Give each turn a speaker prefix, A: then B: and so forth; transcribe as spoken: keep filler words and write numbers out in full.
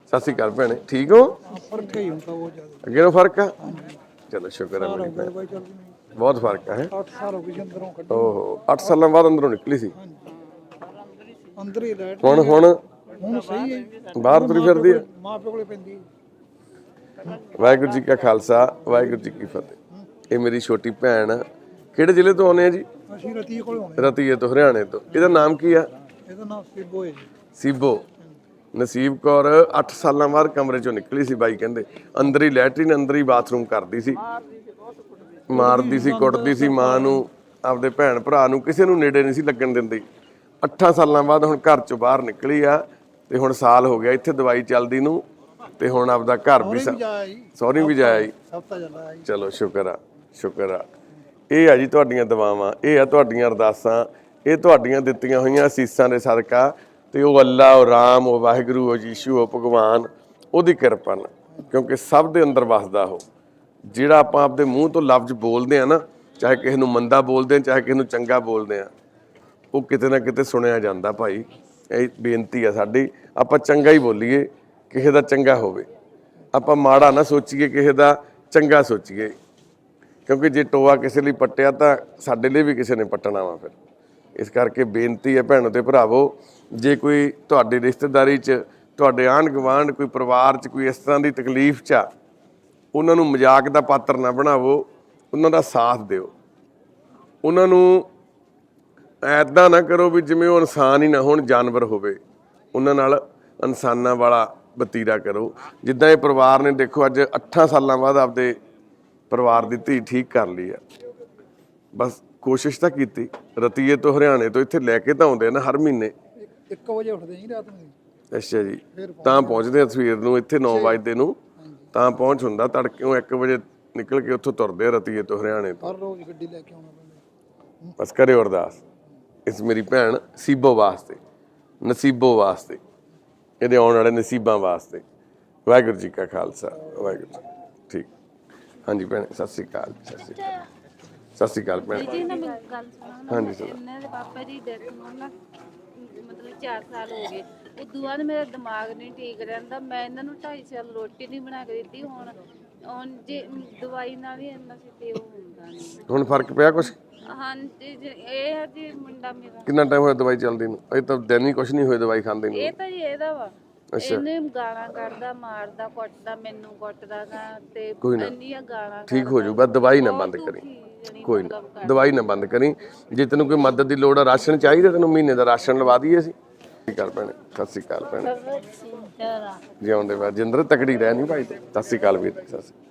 A: ਸਤਿ ਸ਼੍ਰੀ ਅਕਾਲ ਭੈਣੇ, ਠੀਕ ਹੋ?
B: फर्क ही होता वो ज्यादा
A: ਅੱਗੇ ਨੂੰ ਫਰਕ ਆ? ਚਲੋ ਸ਼ੁਕਰ ਹੈ ਮੇਰੀ ਭੈਣ,
B: भाई चल नहीं
A: ਬਹੁਤ ਫਰਕ ਹੈ।
B: आठ साल हो गए अंदरों कट
A: ਓਹੋ ਅੱਠ ਸਾਲਾਂ ਬਾਅਦ ਅੰਦਰੋਂ ਨਿਕਲੀ ਸੀ,
B: अंदर ही लाइट
A: ਹੁਣ ਹੁਣ
B: ਹੁਣ ਸਹੀ ਹੈ
A: ਬਾਹਰ ਤੁਰੀ ਫਿਰਦੀ ਆ।
B: ਮਾਂ ਪਿਓ ਕੋਲੇ ਪੈਂਦੀ
A: ਵਾਹਿਗੁਰੂ ਜੀ ਕਾ ਖਾਲਸਾ, ਵਾਹਿਗੁਰੂ ਜੀ ਕੀ ਫਤਿਹ। ਇਹ ਮੇਰੀ ਛੋਟੀ ਭੈਣ, ਕਿਹੜੇ ਜ਼ਿਲ੍ਹੇ ਤੋਂ ਆਉਂਦੇ ਆ ਜੀ?
B: ਅਸੀਂ ਰਤੀਏ ਕੋਲੇ ਹੋਣੇ
A: ਰਤੀਏ ਤੋਂ, ਹਰਿਆਣੇ ਤੋਂ। ਇਹਦਾ ਨਾਮ ਕੀ ਆ?
B: ਇਹਦਾ ਨਾਮ ਸਿੱਬੋ ਹੈ ਜੀ
A: ਸੀਬੋ। ਨਸੀਬ ਕੌਰ ਅੱਠ ਸਾਲਾਂ ਬਾਅਦ ਕਮਰੇ ਚੋਂ ਨਿਕਲੀ ਸੀ, ਬਾਈ ਕਹਿੰਦੇ ਅੰਦਰ ਹੀ ਲੈਟਰਿਨ, ਅੰਦਰ ਹੀ ਬਾਥਰੂਮ ਕਰਦੀ ਸੀ, ਮਾਰਦੀ ਸੀ, ਕੁੱਟਦੀ ਸੀ ਮਾਂ ਨੂੰ, ਆਪਦੇ ਭੈਣ ਭਰਾ ਨੂੰ, ਕਿਸੇ ਨੂੰ ਨੇੜੇ ਨਹੀਂ ਸੀ ਲੱਗਣ ਦਿੰਦੀ। ਅੱਠਾਂ ਸਾਲਾਂ ਬਾਅਦ ਹੁਣ ਘਰ ਚੋਂ ਬਾਹਰ ਨਿਕਲੀ ਆ, ਤੇ ਹੁਣ ਸਾਲ ਹੋ ਗਿਆ ਇੱਥੇ ਦਵਾਈ ਚੱਲਦੀ ਨੂੰ, ਤੇ ਹੁਣ ਆਪਦਾ ਘਰ ਵੀ ਸਹੁਰੀ ਵੀ ਜਾਇਆ ਜੀ। ਚਲੋ ਸ਼ੁਕਰ ਆ, ਸ਼ੁਕਰ ਆ। ਇਹ ਆ ਜੀ ਤੁਹਾਡੀਆਂ ਦੁਆਵਾਂ, ਇਹ ਆ ਤੁਹਾਡੀਆਂ ਅਰਦਾਸਾਂ, ਇਹ ਤੁਹਾਡੀਆਂ ਦਿੱਤੀਆਂ ਹੋਈਆਂ ਅਸੀਸਾਂ ਦੇ ਸਦਕਾ, ਤੇ ਉਹ ਅੱਲਾ, ਉਹ ਰਾਮ, ਉਹ ਵਾਹਿਗੁਰੂ, ਉਹ ਯੀਸ਼ੂ, ਉਹ ਭਗਵਾਨ, ਉਹਦੀ ਕਿਰਪਾ ਨਾਲ, ਕਿਉਂਕਿ ਸਭ ਦੇ ਅੰਦਰ ਵਸਦਾ ਉਹ। ਜਿਹੜਾ ਆਪਾਂ ਆਪਦੇ ਮੂੰਹ ਤੋਂ ਲਫ਼ਜ਼ ਬੋਲਦੇ ਆ ਨਾ, ਚਾਹੇ ਕਿਸੇ ਨੂੰ ਮੰਦਾ ਬੋਲਦੇ ਆ, ਚਾਹੇ ਕਿਸੇ ਨੂੰ ਚੰਗਾ ਬੋਲਦੇ ਆ, ਉਹ ਕਿਤੇ ਨਾ ਕਿਤੇ ਸੁਣਿਆ ਜਾਂਦਾ ਭਾਈ। ਇਹ ਬੇਨਤੀ ਆ ਸਾਡੀ, ਆਪਾਂ ਚੰਗਾ ਹੀ ਬੋਲੀਏ, ਕਿਸੇ ਦਾ ਚੰਗਾ ਹੋਵੇ, ਆਪਾਂ ਮਾੜਾ ਨਾ ਸੋਚੀਏ, ਕਿਸੇ ਦਾ ਚੰਗਾ ਸੋਚੀਏ, ਕਿਉਂਕਿ ਜੇ ਟੋਆ ਕਿਸੇ ਲਈ ਪੱਟਿਆ ਤਾਂ ਸਾਡੇ ਲਈ ਵੀ ਕਿਸੇ ਨੇ ਪੱਟਣਾ ਵਾ ਫਿਰ। ਇਸ ਕਰਕੇ ਬੇਨਤੀ ਹੈ ਭੈਣੋ ਤੇ ਭਰਾਵੋ, ਜੇ ਕੋਈ ਤੁਹਾਡੀ ਰਿਸ਼ਤੇਦਾਰੀ 'ਚ, ਤੁਹਾਡੇ ਆਂਢ ਗੁਆਂਢ, ਕੋਈ ਪਰਿਵਾਰ 'ਚ ਕੋਈ ਇਸ ਤਰ੍ਹਾਂ ਦੀ ਤਕਲੀਫ 'ਚ ਆ, ਉਹਨਾਂ ਨੂੰ ਮਜ਼ਾਕ ਦਾ ਪਾਤਰ ਨਾ ਬਣਾਵੋ, ਉਹਨਾਂ ਦਾ ਸਾਥ ਦਿਓ। ਉਹਨਾਂ ਨੂੰ ਐਦਾਂ ਨਾ ਕਰੋ ਵੀ ਜਿਵੇਂ ਉਹ ਇਨਸਾਨ ਹੀ ਨਾ ਹੋਣ, ਜਾਨਵਰ ਹੋਵੇ, ਉਹਨਾਂ ਨਾਲ ਇਨਸਾਨਾਂ ਵਾਲਾ ਵਤੀਰਾ ਕਰੋ। ਜਿੱਦਾਂ ਇਹ ਪਰਿਵਾਰ ਨੇ ਦੇਖੋ ਅੱਜ ਅੱਠਾਂ ਸਾਲਾਂ ਬਾਅਦ ਆਪਦੇ ਪਰਿਵਾਰ ਦੀ ਧੀ ਠੀਕ ਕਰ ਲਈ ਆ। ਬਸ ਕੋਸ਼ਿਸ਼ ਤਾਂ ਕੀਤੀ। ਰਤੀਏ ਤੋਂ, ਹਰਿਆਣੇ ਤੋਂ ਇੱਥੇ ਲੈ ਕੇ ਤਾਂ ਆਉਂਦੇ ਆ ਨਾ ਹਰ ਮਹੀਨੇ।
B: ਇੱਕ ਵਜੇ ਉੱਠਦੇ ਜੀ ਰਾਤ ਨੂੰ।
A: ਅੱਛਾ ਜੀ, ਤਾਂ ਪਹੁੰਚਦੇ ਆ ਸਵੇਰ ਨੂੰ ਇੱਥੇ ਨੌ ਵਜੇ ਨੂੰ, ਤਾਂ ਪਹੁੰਚ ਹੁੰਦਾ। ਤੜਕਿਓਂ ਇੱਕ ਵਜੇ ਨਿਕਲ ਕੇ ਉੱਥੋਂ ਤੁਰਦੇ ਆ ਰਤੀਏ ਤੋਂ, ਹਰਿਆਣੇ ਤੋਂ।
B: ਹਰ ਰੋਜ਼ ਗੱਡੀ ਲੈ ਕੇ ਆਉਣਾ ਪੈਂਦਾ।
A: ਬਸ ਕਰਿਓ ਅਰਦਾਸ ਇਸ ਮੇਰੀ ਭੈਣ ਸੀਬੋ ਵਾਸਤੇ, ਨਸੀਬੋ ਵਾਸਤੇ, ਇਹਦੇ ਆਉਣ ਵਾਲੇ ਨਸੀਬਾਂ ਵਾਸਤੇ। ਵਾਹਿਗੁਰੂ ਜੀ ਕਾ ਖਾਲਸਾ, ਵਾਹਿਗੁਰੂ ਜੀ। ਠੀਕ, ਹਾਂਜੀ ਭੈਣ, ਸਤਿ ਸ਼੍ਰੀ ਅਕਾਲ। ਸਤਿ ਸ਼੍ਰੀ ਅਕਾਲ, ਸਤਿ ਸ਼੍ਰੀ ਅਕਾਲ ਭੈਣ।
C: ਜੀ ਨਾ ਮੈਂ ਗੱਲ ਸੁਣਾਉਣਾ।
A: ਹਾਂਜੀ ਸਰ।
C: ਇਹਨਾਂ ਦੇ ਪਾਪਾ ਦੀ ਡੈਥ ਨੂੰ ਨਾ ਮਤਲਬ ਚਾਰ ਸਾਲ ਹੋ ਗਏ। ਉਦੋਂ ਬਾਅਦ ਮੇਰਾ ਦਿਮਾਗ ਨਹੀਂ ਠੀਕ ਰਹਿੰਦਾ। ਮੈਂ ਇਹਨਾਂ ਨੂੰ ਢਾਈ ਸਾਲ ਰੋਟੀ ਨਹੀਂ ਬਣਾ ਕੇ ਦਿੱਤੀ। ਹੁਣ ਹੁਣ ਜੇ ਦਵਾਈ ਨਾਲ ਹੀ ਇੰਨਾ ਸਿੱਧੇ ਉਹ ਹੁੰਦਾ ਨਹੀਂ।
A: ਹੁਣ ਫਰਕ ਪਿਆ ਕੁਛ?
C: ਹਾਂਜੀ ਜੀ, ਇਹ ਹੈ ਜੀ ਮੁੰਡਾ ਮੇਰਾ।
A: ਕਿੰਨਾ ਟਾਈਮ ਹੋਇਆ ਦਵਾਈ ਚੱਲਦੀ ਨੂੰ? ਅਜੇ ਤਾਂ ਦਿਨ ਹੀ ਕੁਛ ਨਹੀਂ ਹੋਏ ਦਵਾਈ ਖਾਂਦੇ ਨੂੰ।
C: ਇਹ ਤਾਂ ਜੀ ਇਹਦਾ ਵਾ, ਇਹਨੇ ਗਾਲਾਂ ਕੱਢਦਾ, ਮਾਰਦਾ, ਕੁੱਟਦਾ, ਮੈਨੂੰ ਕੁੱਟਦਾ ਗਾ, ਤੇ ਇੰਨੀਆਂ ਗਾਲਾਂ।
A: ਠੀਕ ਹੋ ਜਾਊ, ਬਸ ਦਵਾਈ ਨਾ ਬੰਦ ਕਰੀ, ਕੋਈ ਨਾ, ਦਵਾਈ ਨਾ ਬੰਦ ਕਰੀ। ਜੇ ਤੈਨੂੰ ਕੋਈ ਮਦਦ ਦੀ ਲੋੜ ਆ, ਰਾਸ਼ਨ ਚਾਹੀਦਾ ਤੈਨੂੰ, ਮਹੀਨੇ ਦਾ ਰਾਸ਼ਨ ਲਵਾ ਦਈਏ ਅਸੀਂ। ਸਤਿ ਸ਼੍ਰੀ ਅਕਾਲ ਭੈਣੇ, ਸਤਿ ਸ਼੍ਰੀ ਅਕਾਲ ਭੈਣੇ, ਜਿਉਂਦੇ ਬਾਅਦ ਜਿੰਦਰ ਤਕੜੀ ਰਹਿ ਨਹੀਂ ਭਾਈ। ਸਤਿ ਸ਼੍ਰੀ ਅਕਾਲ ਵੀਰ, ਸਤਿ ਸ਼੍ਰੀ ਅਕਾਲ।